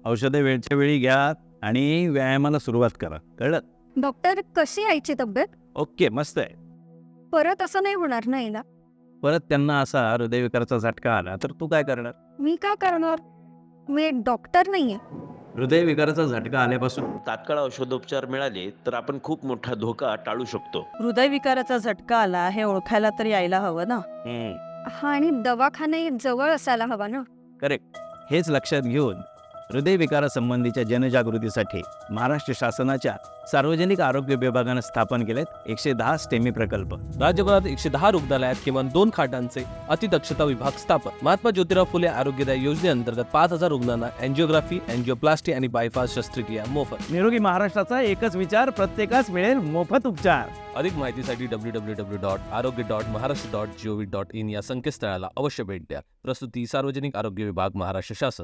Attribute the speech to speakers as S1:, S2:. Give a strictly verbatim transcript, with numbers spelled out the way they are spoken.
S1: औषधे वेळच्या वेळी घ्या आणि व्यायामाला सुरुवात करा. कळलं?
S2: डॉक्टर, कशी आईची तब्येत?
S1: ओके, मस्त आहे.
S2: परत असं नाही होणार ना हिला?
S1: परत त्यांना असा हृदयविकाराचा झटका आला तर तू काय करणार?
S2: मी का करणार? मी एक डॉक्टर नाहीये.
S1: हृदयविकाराचा झटका आल्यापासून
S3: तात्काळ औषधोपचार मिळाले तर आपण खूप मोठा धोका टाळू शकतो.
S4: हृदयविकाराचा झटका आला हे ओळखायला तरी यायला हवं ना.
S2: हा, आणि दवाखाने जवळ असायला हवा ना.
S1: करेक्ट. हेच लक्षात घेऊन हृदयविकारासंबंधीच्या जनजागृतीसाठी महाराष्ट्र शासनाच्या सार्वजनिक आरोग्य विभागानं स्थापन केलेत एकशे दहा स्टेमी प्रकल्प.
S5: राज्यभरात एकशे दहा रुग्णालयात किमान दोन खाटांचे अतिदक्षता विभाग स्थापन. महात्मा ज्योतिराव फुले आरोग्यदायी योजनेअंतर्गत पाच हजार रुग्णांना अँजिओग्राफी, अँजिओप्लास्टी आणि बायपास शस्त्रक्रिया मोफत.
S1: निरोगी महाराष्ट्राचा एकच विचार, प्रत्येकास मिळेल मोफत उपचार.
S5: अधिक माहितीसाठी W W W dot arogya dot Maharashtra dot gov dot in या संकेतस्थळाला अवश्य भेट द्या. प्रस्तुती सार्वजनिक आरोग्य विभाग, महाराष्ट्र शासन.